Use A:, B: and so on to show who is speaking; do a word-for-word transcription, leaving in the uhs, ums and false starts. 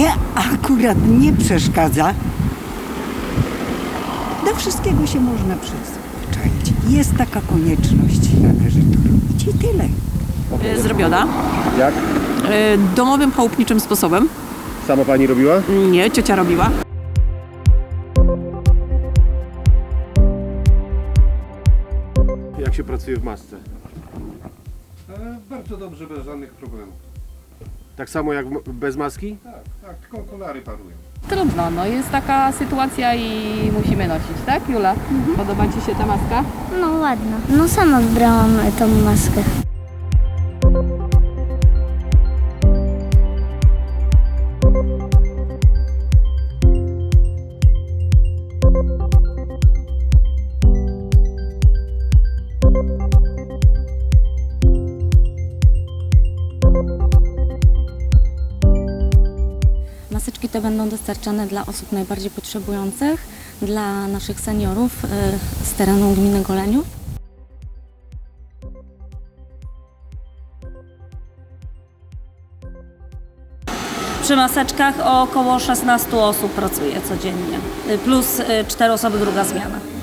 A: mnie akurat nie przeszkadza. Do wszystkiego się można przyzwyczaić. Jest taka konieczność, należy to robić i tyle.
B: Y, Zrobiona.
C: Jak?
B: Y, Domowym, chałupniczym sposobem.
C: Sama pani robiła?
B: Nie, ciocia robiła.
C: Jak się pracuje w masce?
D: E, bardzo dobrze, bez żadnych problemów.
C: Tak samo jak w- bez maski?
D: Tak, tak, tylko okulary parują.
E: Trudno, no jest taka sytuacja i musimy nosić, tak Jula? Podoba Ci się ta maska?
F: No ładna. No sama wybrałam tą maskę.
G: Maseczki te będą dostarczane dla osób najbardziej potrzebujących, dla naszych seniorów y, z terenu gminy Goleniów.
H: Przy maseczkach około szesnaście osób pracuje codziennie, plus cztery osoby druga zmiana.